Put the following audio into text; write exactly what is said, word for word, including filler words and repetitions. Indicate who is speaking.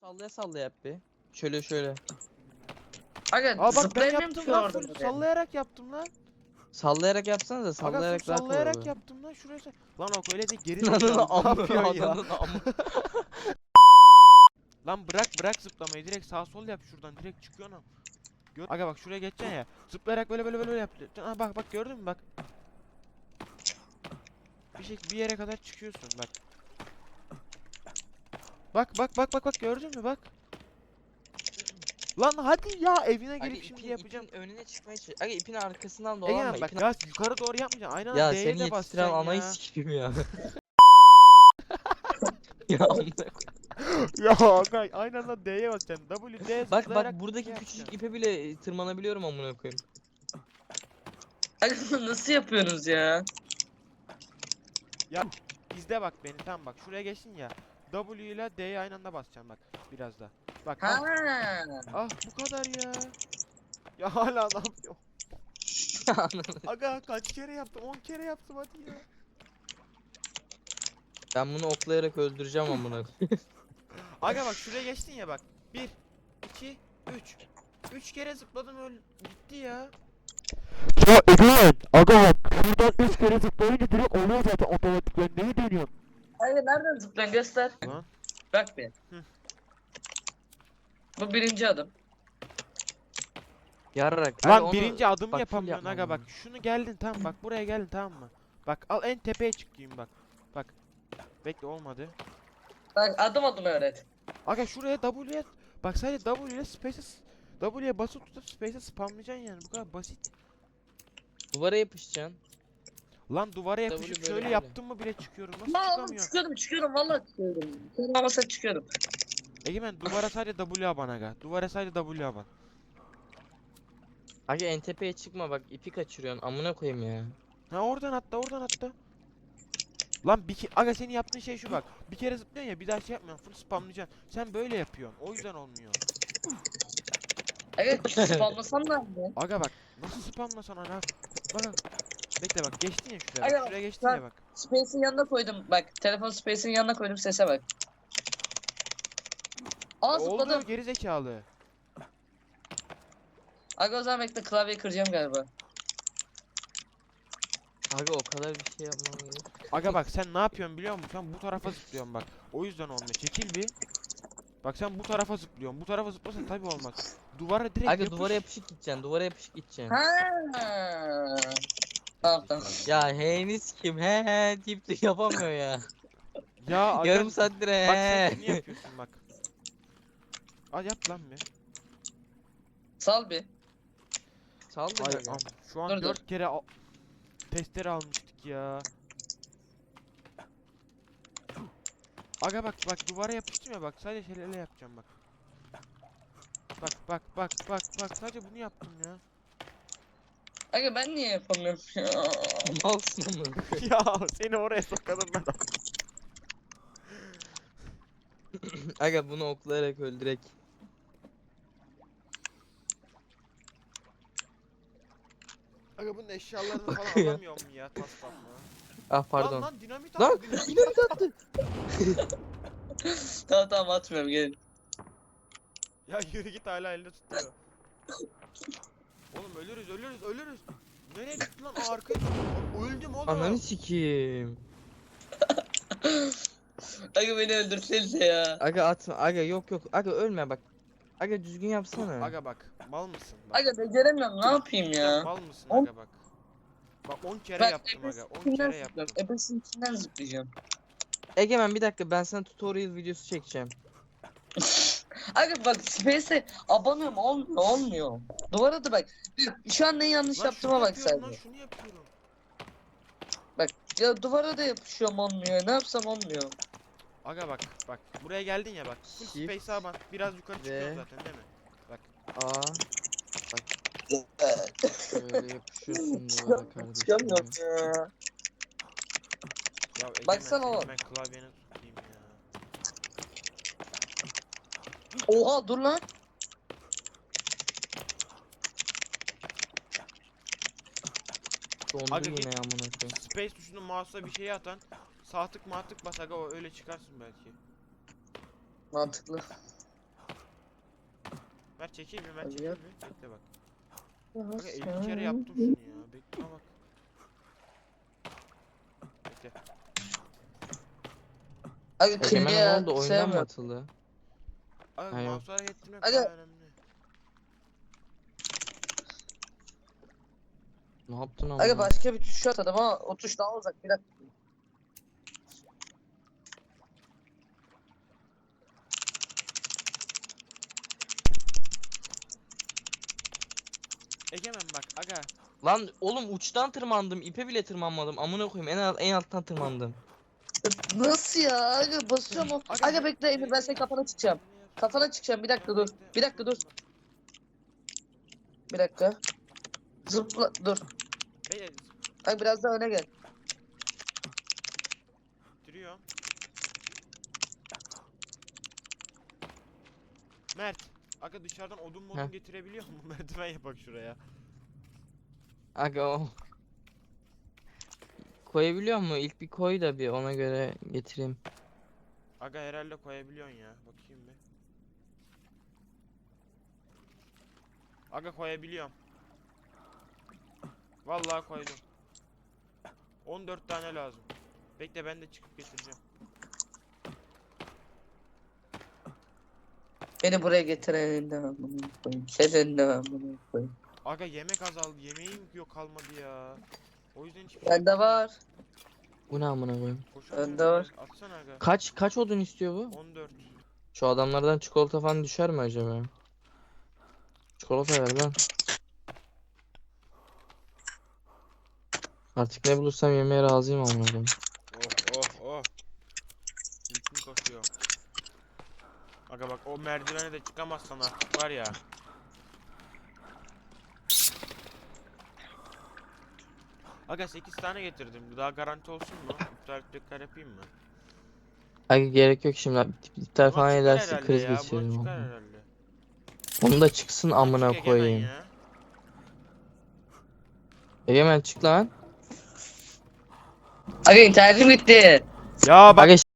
Speaker 1: Sallaya sallaya yap bir. Şöyle şöyle.
Speaker 2: Aga
Speaker 3: Aa bak ben
Speaker 2: zıplayamıyorum
Speaker 3: yaptım
Speaker 2: ki
Speaker 3: lan,
Speaker 2: orada.
Speaker 3: full sallayarak yaptım lan.
Speaker 1: Sallayarak yapsanız da
Speaker 3: Aga
Speaker 1: sallayarak
Speaker 3: full
Speaker 1: daha kolay
Speaker 3: sallayarak
Speaker 1: oluyor.
Speaker 3: yaptım lan, şuraya say- Lan o öyle de geri
Speaker 1: Ananın
Speaker 3: zekalı, ne
Speaker 1: amı,
Speaker 3: yapıyorsun ya?
Speaker 1: ananın amı.
Speaker 3: Lan bırak bırak zıplamayı, direkt sağ sol yap şuradan, direkt çıkıyor lan. Gör Aga bak şuraya geçeceksin ya. Zıplayarak böyle böyle böyle yap. Ha bak bak, gördün mü bak. Bir şey bir yere kadar çıkıyorsun bak. Bak bak bak bak bak, gördün mü bak. Lan hadi ya, evine
Speaker 1: Aga
Speaker 3: gelip şimdi
Speaker 1: ipin,
Speaker 3: yapacağım.
Speaker 1: ipin önüne çıkmaya çalış. Aga ipin arkasından dolanma.
Speaker 3: Egemen bak
Speaker 1: ipin...
Speaker 3: ya, yukarı doğru yapmayacaksın. Aynen
Speaker 1: Ya
Speaker 3: D'ye
Speaker 1: seni
Speaker 3: de
Speaker 1: yetiştiren
Speaker 3: basacaksın
Speaker 1: anayı
Speaker 3: ya.
Speaker 1: sikeyim ya. Ya amına
Speaker 3: Ya aga aynen anda D'ye basacaksın. W D
Speaker 1: Bak
Speaker 3: zıplayarak
Speaker 1: bak buradaki
Speaker 3: şey
Speaker 1: küçücük
Speaker 3: yapacaksın.
Speaker 1: ipe bile tırmanabiliyorum amına koyayım.
Speaker 2: Aga nasıl yapıyorsunuz ya?
Speaker 3: Ya izle bak beni, tamam bak şuraya geçtin ya. W ile D'ye aynı anda basacaksın bak biraz da. Bak
Speaker 2: Ha.
Speaker 3: ah, ah bu kadar ya. Ya hala ne yapıyor? Aga kaç kere yaptım? on kere yaptım hadi ya.
Speaker 1: Ben bunu oklayarak öldüreceğim amına koyayım.
Speaker 3: Aga bak şuraya geçtin ya bak. bir iki üç. üç kere zıpladım, öl gitti ya.
Speaker 4: Ya Egemen, aga bak şuradan üç kere zıplayınca direkt oluyor zaten otomatikten, neyi deniyorsun?
Speaker 2: Aga nereden zıplayan göster.
Speaker 3: Lan.
Speaker 2: Bak bir.
Speaker 3: Hı.
Speaker 2: Bu birinci adım.
Speaker 1: Yararak. Aga
Speaker 3: Lan
Speaker 1: onu-
Speaker 3: birinci adımı
Speaker 1: bak, full
Speaker 3: yapamıyorsun
Speaker 1: yapmam
Speaker 3: aga bak.
Speaker 1: lazım.
Speaker 3: Şunu geldin, tamam bak buraya geldin, tamam mı? Bak al en tepeye çıkayım bak. Bak. Bekle, olmadı.
Speaker 2: Bak adım adım öğret.
Speaker 3: Aga şuraya W'ye bak, sadece W ile space'e s- W'ye basıp tutup space'e spamlayacaksın yani, bu kadar basit.
Speaker 1: Duvara yapışacaksın.
Speaker 3: Lan duvara
Speaker 1: W
Speaker 3: yapışıp
Speaker 1: böyle
Speaker 3: şöyle
Speaker 1: böyle.
Speaker 3: yaptım mı bile çıkıyorum. Nasıl
Speaker 2: Lan oğlum
Speaker 3: çıkamıyorum?
Speaker 2: çıkıyorum çıkıyorum vallahi çıkıyorum. Çıkamasa çıkıyorum.
Speaker 3: Egemen duvara sadece W aban aga. Duvara sadece W aban.
Speaker 1: Aga en tepeye çıkma bak ipi kaçırıyorsun amına koyayım ya.
Speaker 3: Ha oradan atla, oradan atla. Lan bir ke aga, senin yaptığın şey şu bak. Bir kere zıplıyorsun ya, bir daha şey yapmıyorsun. Full spamlayacaksın. Sen böyle yapıyorsun. O yüzden olmuyor.
Speaker 2: Aga spamlasam da mı?
Speaker 3: Aga bak. Nasıl spamlasan ana? Bak bak. Bekle bak, geçtin ya şuraya.
Speaker 2: Aga
Speaker 3: Bak.
Speaker 2: bak,
Speaker 3: Şuraya geçtin
Speaker 2: ben-
Speaker 3: ya bak.
Speaker 2: Space'in yanına koydum. Bak telefon Space'in yanına koydum, sese bak. Aa
Speaker 3: Oldu
Speaker 2: zıpladım.
Speaker 3: geri zekalı.
Speaker 2: Aga o zaman bekle, klavyeyi kıracağım galiba.
Speaker 1: Aga o kadar bir şey yapmam gerek.
Speaker 3: Aga bak sen ne yapıyorsun biliyor musun? Sen bu tarafa zıplıyorsun bak. O yüzden olmuyor. Çekil bir. Bak sen bu tarafa zıplıyorsun. Bu tarafa zıplasan tabii olmaz. Duvara direkt
Speaker 1: Aga
Speaker 3: yapış.
Speaker 1: duvara yapışık gideceksin. Duvara yapışık gideceksin.
Speaker 2: Ha. Tamam tamam.
Speaker 1: Ya heyiniz kim? He he deyip de yapamıyor ya.
Speaker 3: Ya aga,
Speaker 1: Yarım saattir he.
Speaker 3: bak sen şunu yapıyorsun bak. Al yap lan bir.
Speaker 2: Sal bir.
Speaker 1: Saldır
Speaker 3: Ay,
Speaker 1: aga.
Speaker 3: am, şu an
Speaker 2: Dur, dur.
Speaker 3: dört kere al testere almıştık ya. Aga bak bak, duvara yapıştım ya bak, sadece şöyle yapacağım bak. Bak bak bak bak bak, sadece bunu yaptım ya.
Speaker 2: Aga ben niye yapamıyorum ya?
Speaker 1: Malsın amına.
Speaker 3: Ya seni oraya sokalım ben.
Speaker 1: Aga bunu oklayarak öldürek.
Speaker 3: Aga bunun eşyalarını falan
Speaker 1: Bakıyor.
Speaker 3: alamıyorum ya, tas tas mı?
Speaker 1: Ah pardon.
Speaker 3: Lan lan dinamit
Speaker 1: Lan,
Speaker 3: attı, dinamit
Speaker 1: dinamit attı.
Speaker 2: Tamam tamam atmıyorum, gelin.
Speaker 3: Ya yürü git, hala elde tutuyor. Oğlum ölürüz ölürüz ölürüz. Nereye gitti lan? Aa, arkaya gitti. Öldüm oğlum.
Speaker 1: Ananı sikeyim.
Speaker 2: Aga beni öldürsenize ya.
Speaker 1: Aga atma. Aga yok yok. Aga ölme bak. Aga düzgün yapsana.
Speaker 3: Aga bak, mal mısın bak.
Speaker 2: Aga beceremiyorum, ne yapayım
Speaker 3: Sen
Speaker 2: ya?
Speaker 3: mal mısın
Speaker 2: On-
Speaker 3: aga bak. Bak on kere
Speaker 2: Bak
Speaker 3: yaptım aga, on
Speaker 2: ebesinden
Speaker 3: kere yaptım.
Speaker 2: zıplıyorum. Ebesinin içinden zıplayacağım.
Speaker 1: Egemen bir dakika ben sana tutorial videosu çekeceğim.
Speaker 2: Aga bak Space'e abanıyorum, olmuyor olmuyor. Duvara da bak. Şu an ne yanlış
Speaker 3: Lan
Speaker 2: yaptığıma
Speaker 3: şunu
Speaker 2: bak
Speaker 3: yapıyorum
Speaker 2: sadece.
Speaker 3: lan, şunu yapıyorum.
Speaker 2: Ya duvara da yapışıyorum, olmuyor. Ne yapsam olmuyor.
Speaker 3: Aga bak bak, buraya geldin ya bak. Full
Speaker 1: Shift
Speaker 3: space'e bak. Biraz yukarı çıkıyorsun
Speaker 1: ve-
Speaker 3: zaten değil mi?
Speaker 1: Aa. Bak. Şöyle yapışıyorsun duvara kardeşim.
Speaker 2: Çıkamıyorum ya.
Speaker 3: Ya Egemen,
Speaker 2: Baksana
Speaker 3: senin
Speaker 2: oğlum.
Speaker 3: ben klavyeni tutayım ya.
Speaker 2: Oha dur lan.
Speaker 1: Dondu
Speaker 3: Aga
Speaker 1: yine
Speaker 3: git.
Speaker 1: ya amına koyayım.
Speaker 3: Space tuşunu mouse'a bir şey atan. Sağ tık mağ tık bas aga, o öyle çıkarsın belki.
Speaker 2: Mantıklı.
Speaker 3: Mert çekeyim mi? Mert
Speaker 2: Hadi
Speaker 3: çekeyim
Speaker 2: yap.
Speaker 3: mi? Bekle bak. Aga elli kere yaptım şunu ya. Bekle bak. Bekle.
Speaker 2: Aga
Speaker 1: Egemen
Speaker 2: kırmızı
Speaker 1: ne
Speaker 2: ya.
Speaker 1: oldu? Oyundan mı
Speaker 2: Sevmiyorum.
Speaker 1: atıldı?
Speaker 3: Aga
Speaker 1: Ha, yok.
Speaker 3: mouse harekettirmek
Speaker 2: Aga-
Speaker 3: daha önemli.
Speaker 1: Ne yaptın ama?
Speaker 2: Aga başka bir tuş atadım ama o tuş daha uzak. Bir dakika.
Speaker 3: Egemen bak aga.
Speaker 1: Lan oğlum uçtan tırmandım. İpe bile tırmanmadım. Amına koyayım. En alt, en alttan tırmandım.
Speaker 2: Nasıl ya? Aga basıyorum o.
Speaker 3: Aga,
Speaker 2: Aga bekle Emir, ben senin kafana çıkacağım. Kafana çıkacağım, bir dakika dur. Bir dakika dur. Bir dakika. Zıpla dur.
Speaker 3: Beyler
Speaker 2: Aga biraz daha öne gel.
Speaker 3: duruyorum. Mert. Aga dışarıdan odun modun
Speaker 1: Heh.
Speaker 3: getirebiliyor mu? Merdiven yapak şuraya.
Speaker 1: Aga o. Koyabiliyor mu? İlk bir koy da bir ona göre getireyim.
Speaker 3: Aga herhalde koyabiliyorsun ya. Bakayım bir. Aga koyabiliyorum. Vallahi koydum. on dört tane lazım. Bekle ben de çıkıp getireceğim.
Speaker 2: Beni buraya getiren de amına koyayım. Senin de amına koyayım.
Speaker 3: Aga yemek azaldı. Yemeğim yok kalmadı ya. O yüzden hiçbir şey
Speaker 2: Bende var.
Speaker 1: Bu ne amına koyayım?
Speaker 3: koşamıyorum
Speaker 2: Bende var.
Speaker 3: biraz. Atsana aga.
Speaker 1: Kaç kaç odun istiyor bu?
Speaker 3: on dört.
Speaker 1: Şu adamlardan çikolata falan düşer mi acaba? Çikolata ver lan. Artık ne bulursam yemeye razıyım amına koyayım.
Speaker 3: Oh oh oh. Bütün koşuyor. Aga bak o merdivene de çıkamazsan artık var ya. Aga sekiz tane getirdim. Daha garanti olsun mu? İptal tekrar yapayım mı?
Speaker 1: Aga gerek yok şimdi. İptal
Speaker 3: Buna
Speaker 1: falan
Speaker 3: çıkar
Speaker 1: ederse
Speaker 3: herhalde
Speaker 1: kriz
Speaker 3: ya, buna
Speaker 1: geçiririm.
Speaker 3: çıkar
Speaker 1: amına.
Speaker 3: herhalde.
Speaker 1: Onu da çıksın
Speaker 3: Buna
Speaker 1: amına
Speaker 3: çık Egemen
Speaker 1: koyayım.
Speaker 3: ya.
Speaker 1: Egemen çık lan.
Speaker 2: Aga internetim gitti.
Speaker 3: Ya bak
Speaker 1: Aga